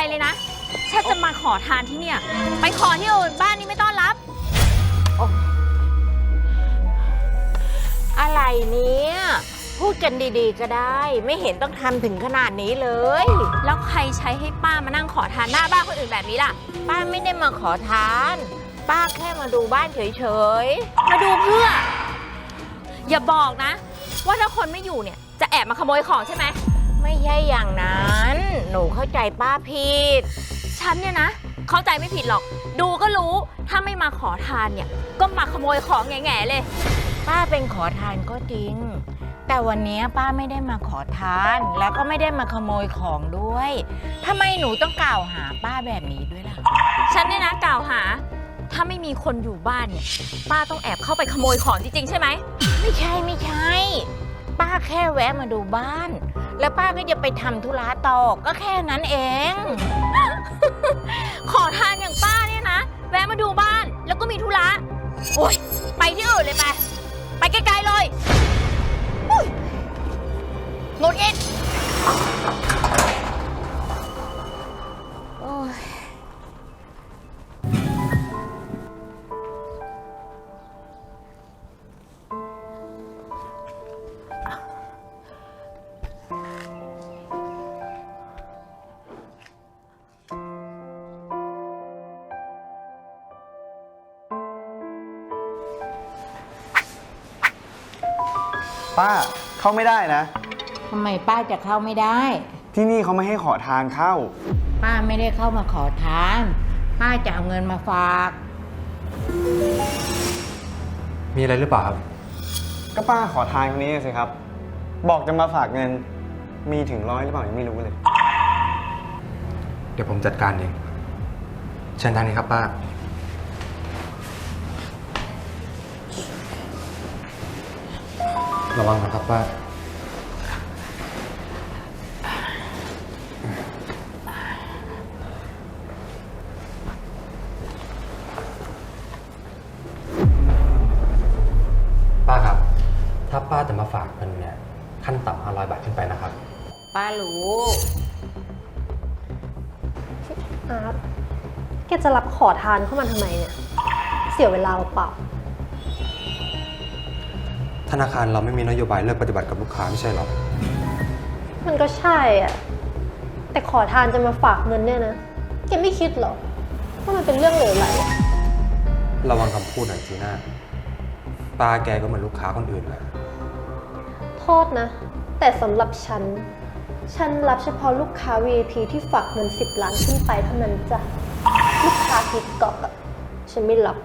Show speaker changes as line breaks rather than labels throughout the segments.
เลยนะฉันจะมาขอทานที่เนี่ยไปขอที่อื่นบ้านนี้ไม่ต้อนรับ
อะไรเนี่ยพูดกันดีๆก็ได้ไม่เห็นต้องทำถึงขนาดนี้เลย
แล้วใครใช้ให้ป้ามานั่งขอทานหน้าบ้านคนอื่นแบบนี้ล่ะ
ป้าไม่ได้มาขอทานป้าแค่มาดูบ้านเฉย
ๆมาดูเพื่ออย่าบอกนะว่าถ้าคนไม่อยู่เนี่ยจะแอบมาขโมยของใช่ไหม
ไม่ใช่อย่างนั้นหนูเข้าใจป้าผิด
ฉันเนี่ยนะเข้าใจไม่ผิดหรอกดูก็รู้ถ้าไม่มาขอทานเนี่ยก็มาขโมยของแง่ๆเลย
ป้าเป็นขอทานก็จริงแต่วันนี้ป้าไม่ได้มาขอทานแล้วก็ไม่ได้มาขโมยของด้วยทำไมหนูต้องกล่าวหาป้าแบบนี้ด้วยล่ะ
ฉันเนี่ยนะกล่าวหาถ้าไม่มีคนอยู่บ้านเนี่ยป้าต้องแอบเข้าไปขโมยของจริงๆใช่ไหม
ไม่ใช่ป้าแค่แวะมาดูบ้านแล้วป้าก็จะไปทำธุระต่อก็แค่นั้นเอง
ขอทานอย่างป้าเนี่ยนะแวะมาดูบ้านแล้วก็มีธุระโอ๊ยไปที่อื่นเลยไปไกลๆเลยหงุดหงิด
ป้าเข้าไม่ได้นะ
ทำไมป้าจะเข้าไม่ได้
ที่นี่เขาไม่ให้ขอทานเข้า
ป้าไม่ได้เข้ามาขอทานป้าจะเอาเงินมาฝาก
มีอะไรหรือเปล่าครับ
ก็ป้าขอทานคนนี้สิครับบอกจะมาฝากเงินมีถึง100หรือเปล่ายังไม่รู้เลย
เดี๋ยวผมจัดการเองเชิญทางนี้ครับป้าระวังนะครับป้าป้าครับถ้าป้าจะมาฝากเงินเนี่ยขั้นต่ำ500 บาทขึ้นไปนะครับ
ป้ารู้
อาร์ตแกจะรับขอทานเข้ามาทำไมเนี่ยเสียเวลาเปล่า
ธนาคารเราไม่มีนโยบายเลิกปฏิบัติกับลูกค้าไม่ใช่หรอ
มันก็ใช่อ่ะแต่ขอทานจะมาฝากเงินเนี่ยนะแกไม่คิดหรอว่ามันเป็นเรื่องเหลวไหล
ระวังคำพูดหน่อยจีน่าป้าแกก็เหมือนลูกค้าคนอื่นแหละ
โทษนะแต่สำหรับฉันรับเฉพาะลูกค้า VIP ที่ฝากเงิน10 ล้านขึ้นไปเท่านั้นจ้ะลูกค้าทิกกอกอ่ะฉันไม่รับ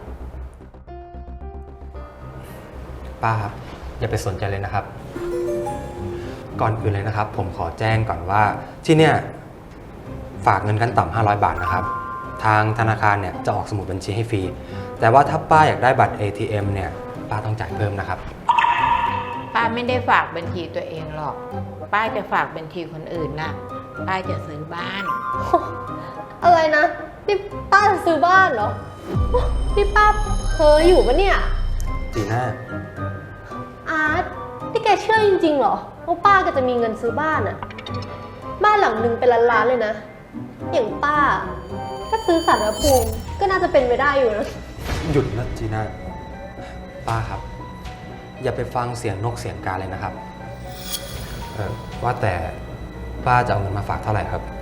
ป้าครับอย่าไปสนใจเลยนะครับก่อนอื่นเลยนะครับผมขอแจ้งก่อนว่าที่เนี่ยฝากเงินขั้นต่ำ500 บาทนะครับทางธนาคารเนี่ยจะออกสมุดบัญชีให้ฟรีแต่ว่าถ้าป้าอยากได้บัตร ATM เนี่ยป้าต้องจ่ายเพิ่มนะครับ
ป้าไม่ได้ฝากบัญชีตัวเองหรอกป้าจะฝากบัญชีคนอื่นนะป้าจะซื้อบ้าน
อะไรนะนี่ป้าจะซื้อบ้านเหรอนี่ป้าเพ้ออยู่ปะเนี่ย
จีน่า
อาร์ตนี่แกเชื่อจริงๆเหรอว่าป้าก็จะมีเงินซื้อบ้านอะบ้านหลังหนึ่งเป็นล้านๆเลยนะอย่างป้าถ้าซื้อศาลพระภูมิก็น่าจะเป็นไปได้อยู่นะ
หยุดนะจีน่าป้าครับอย่าไปฟังเสียงนกเสียงกาเลยนะครับว่าแต่ป้าจะเอาเงินมาฝากเท่าไหร่ครับ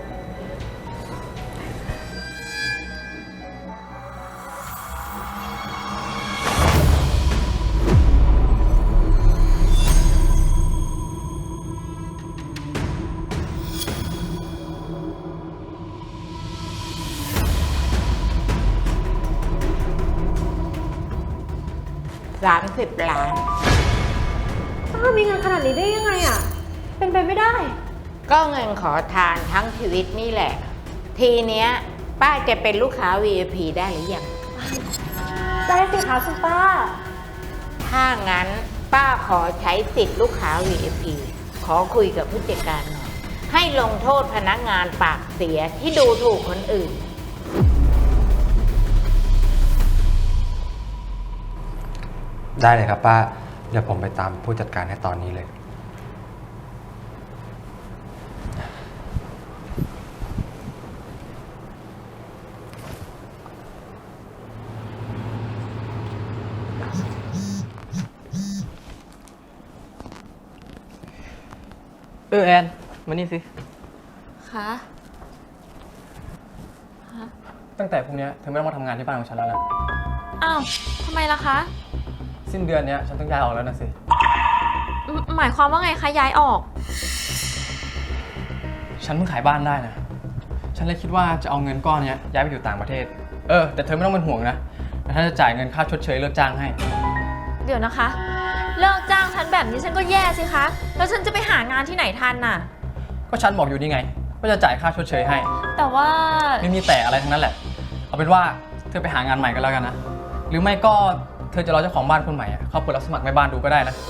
30 ล้าน
ป้ามีเงินขนาดนี้ได้ยังไงอ่ะเป็นไปไม่ได้
ก็เงินขอทานทั้งชีวิตนี่แหละทีเนี้ยป้าจะเป็นลูกค้า VIP ได้หรือยัง
ได้สิคะคุณป้า
ถ้างั้นป้าขอใช้สิทธิ์ลูกค้า VIP ขอคุยกับผู้จัดการหน่อยให้ลงโทษพนักงานปากเสียที่ดูถูกคนอื่น
ได้เลยครับป้าเดี๋ยวผมไปตามผู้จัดการให้ตอนนี้เลย
พ
แอนมานี่สิ
คะ
ตั้งแต่พรุ่งนี้เธอไม่ต้องมาทำงานที่บ้านของฉันแล้วนะ
อ้าวทำไมล่ะคะ
สิ้นเดือนนี้ฉันต้องย้ายออกแล้วนะสิ
หมายความว่าไงคะย้ายออก
ฉันเพิ่งขายบ้านได้นะ ฉันเลยคิดว่าจะเอาเงินก้อนนี้ย้ายไปอยู่ต่างประเทศ แต่เธอไม่ต้องเป็นห่วงนะแต่ถ้าจะจ่ายเงินค่าชดเชยเลิกจ้างให้
เดี๋ยวนะคะ เลิกจ้างฉันแบบนี้ฉันก็แย่สิคะ แล้วฉันจะไปหางานที่ไหนทันน่ะ
ก็ฉันบอกอยู่นี่ไงว่าจะจ่ายค่าชดเชยให้
แต่ว่า
ไม่มีแต่อะไรทั้งนั้นแหละ เอาเป็นว่าเธอไปหางานใหม่ก็แล้วกันนะ หรือไม่ก็เธอจะรอเจ้าของบ้านคนใหม่เขาเปิดรับสมัครแม่บ้านดูก็ได้นะ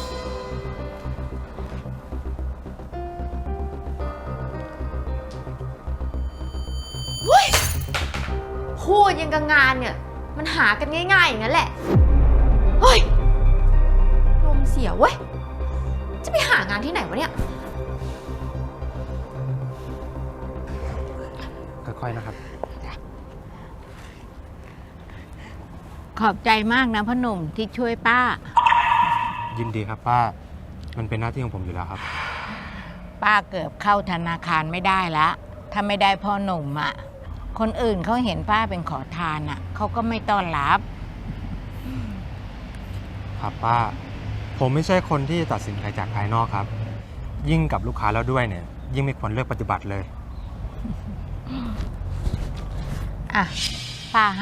พูดยังกับงานเนี่ย มันหากันง่ายๆอย่างนั้นแหละ เฮ้ยลมเสียเว้ย จะไปหางานที่ไหนวะเนี่ย
ค่อยๆนะครับ
ขอบใจมากนะพ่อหนุ่มที่ช่วยป้า
ยินดีครับป้า มันเป็นหน้าที่ของผมอยู่แล้วครับ
ป้าเกือบเข้าธนาคารไม่ได้ละถ้าไม่ได้พ่อหนุ่มอ่ะ คนอื่นเขาเห็นป้าเป็นขอทานอ่ะเขาก็ไม่ต้อนรับ
ครับป้า ผมไม่ใช่คนที่ตัดสินใครจากภายนอกครับ ยิ่งกับลูกค้าแล้วด้วยเนี่ย ยิ่งไม่ควรเลือกปฏิบัติเลย
อ่ะ ป้าให้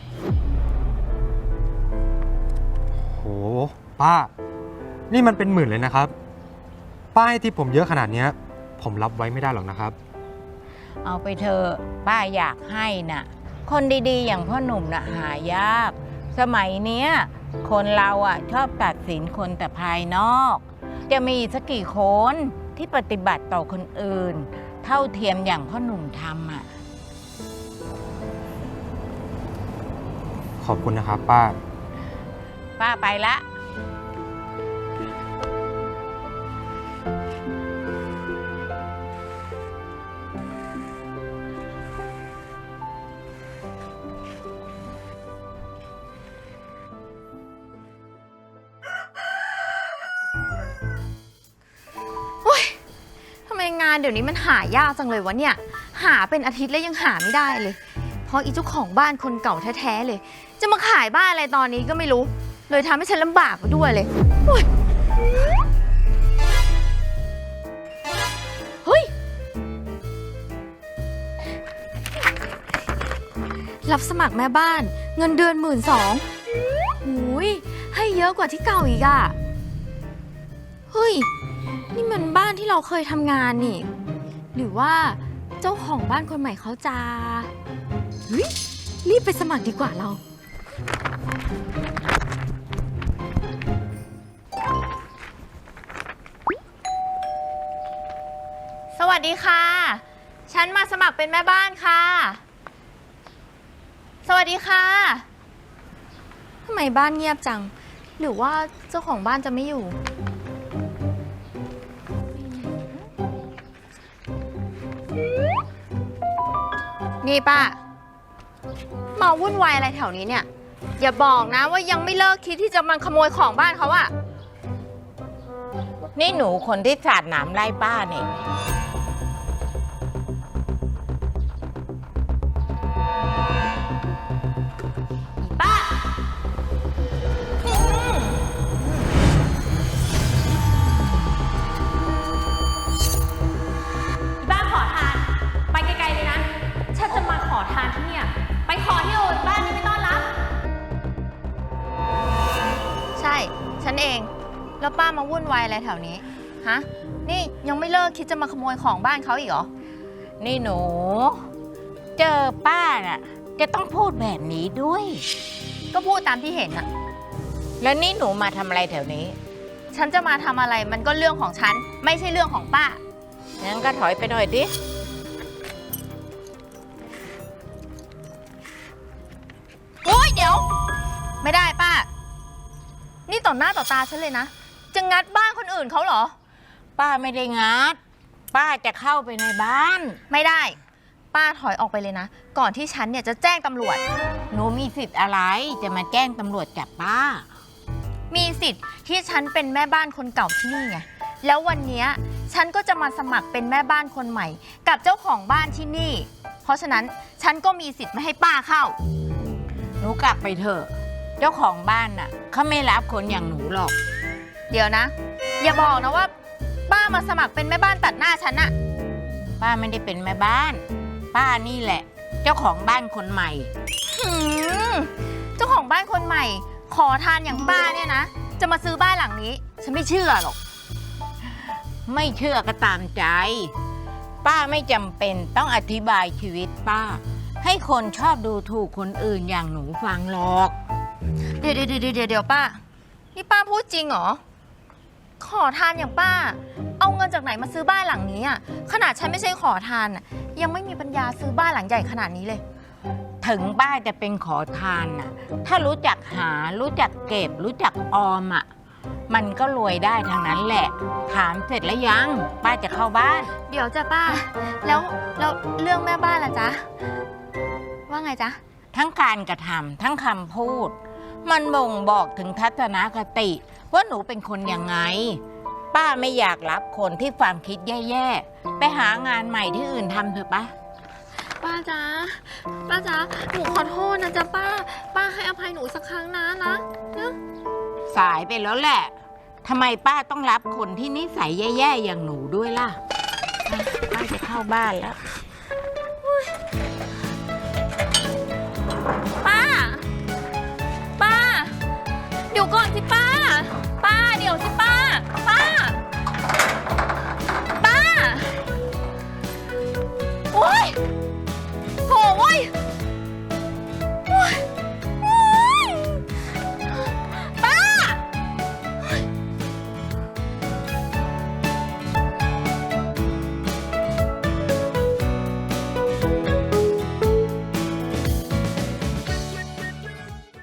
โหป้า นี่มันเป็นหมื่นเลยนะครับ ป้ายที่ผมเยอะขนาดเนี้ยผมรับไว้ไม่ได้หรอกนะครับ
เอาไปเถอะป้าอยากให้น่ะ คนดีๆ อย่างพ่อหนุ่มน่ะหายาก สมัยเนี้ย คนเราอ่ะชอบตัดสินคนแต่ภายนอก จะมีสักกี่คนที่ปฏิบัติต่อคนอื่น เท่าเทียมอย่างพ่อหนุ่มทำอ่ะ
ขอบคุณนะครับป้า
ป้าไปละ
ทำไมงานเดี๋ยวนี้มันหายากจังเลยวะเนี่ย หาเป็นอาทิตย์แล้วยังหาไม่ได้เลย เพราะอีเจ้าของบ้านคนเก่าแท้ๆเลย จะมาขายบ้านอะไรตอนนี้ก็ไม่รู้ เลยทำให้ฉันลำบากไปด้วยเลยโอ๊ยเฮ้ย รับสมัครแม่บ้าน เงินเดือน12,000หูยให้เยอะกว่าที่เก่าอีกอะเฮ้ย นี่มันบ้านที่เราเคยทำงานนี่ หรือว่าเจ้าของบ้านคนใหม่เขาจะเฮ้ยรีบไปสมัครดีกว่าเรา สวัสดีค่ะ ฉันมาสมัครเป็นแม่บ้านค่ะ สวัสดีค่ะทำไมบ้านเงียบจัง หรือว่าเจ้าของบ้านจะไม่อยู่ นี่ป้า มาวุ่นวายอะไรแถวนี้เนี่ย อย่าบอกนะว่ายังไม่เลิกคิดที่จะมาขโมยของบ้านเขาอะ
นี่หนูคนที่สาดหนามไล่ป้าเนี่ย
ป้าบ้านขอทาน ไปไกลๆเลยนะ ฉันจะมาขอทานที่เนี่ย ไปขอที่อื่นบ้านนี้ไม่ต้อนรับ ใช่ ฉันเอง แล้วป้ามาวุ่นวายอะไรแถวนี้ ฮะ นี่ยังไม่เลิกคิดจะมาขโมยของบ้านเขาอีกเหรอ
นี่หนู เจอป้าน่ะ จะต้องพูดแบบนี้ด้วย
ก็พูดตามที่เห็นอะ
แล้วนี่หนูมาทำอะไรแถวนี้
ฉันจะมาทำอะไรมันก็เรื่องของฉัน ไม่ใช่เรื่องของป้า
งั้นก็ถอยไปหน่อยดิ
โอ๊ยเดี๋ยว ไม่ได้ป้า นี่ต่อหน้าต่อตาฉันเลยนะ จะงัดบ้านคนอื่นเขาเหรอ
ป้าไม่ได้งัด ป้าจะเข้าไปในบ้าน
ไม่ได้ ป้าถอยออกไปเลยนะ ก่อนที่ฉันเนี่ยจะแจ้งตำรวจ
หนูมีสิทธิ์อะไรจะมาแจ้งตำรวจจับป้า
มีสิทธิ์ที่ฉันเป็นแม่บ้านคนเก่าที่นี่ไง แล้ววันเนี้ยฉันก็จะมาสมัครเป็นแม่บ้านคนใหม่ กับเจ้าของบ้านที่นี่ เพราะฉะนั้นฉันก็มีสิทธิ์ไม่ให้ป้าเข้า
หนูกลับไปเถอะ เจ้าของบ้านน่ะเขาไม่รับคนอย่างหนูหรอก
เดี๋ยวนะ อย่าบอกนะว่า ป้ามาสมัครเป็นแม่บ้านตัดหน้าฉันอะ
ป้าไม่ได้เป็นแม่บ้าน ป้านี่แหละ เจ้าของบ้านคนใหม่
หืมเจ้าของบ้านคนใหม่ ขอทานอย่างป้าเนี่ยนะ จะมาซื้อบ้านหลังนี้ ฉันไม่เชื่อหรอก
ไม่เชื่อก็ตามใจ ป้าไม่จำเป็นต้องอธิบายชีวิตป้า ให้คนชอบดูถูกคนอื่นอย่างหนูฟังหรอก
เดี๋ยวป้า นี่ป้าพูดจริงเหรอ ขอทานอย่างป้า เอาเงินจากไหนมาซื้อบ้านหลังนี้อ่ะ ขนาดฉันไม่ใช่ขอทานอ่ะ ยังไม่มีปัญญาซื้อบ้านหลังใหญ่ขนาดนี้เลย
ถึงป้าจะเป็นขอทานน่ะ ถ้ารู้จักหา รู้จักเก็บ รู้จักออมอ่ะ มันก็รวยได้ทั้งนั้นแหละ ถามเสร็จแล้วยัง ป้าจะเข้าบ้าน
เดี๋ยวจ้ะป้า แล้วเรื่องแม่บ้านล่ะจ๊ะ ว่าไงจ๊ะ
ทั้งการกระทำทั้งคำพูด มันบ่งบอกถึงทัศนคติ ว่าหนูเป็นคนยังไง ป้าไม่อยากรับคนที่ความคิดแย่ๆ ไปหางานใหม่ที่อื่นทำเถอะป้า
ป้าจ๊ะ ป้าจ๊ะ หนูขอโทษนะจ๊ะป้า ป้าให้อภัยหนูสักครั้งนะ
สายไปแล้วแหละ ทำไมป้าต้องรับคนที่นิสัยแย่ๆ อย่างหนูด้วยล่ะ ป้าจะเข้าบ้านแล้ว
ป้า ป้า เดี๋ยวก่อนสิป้า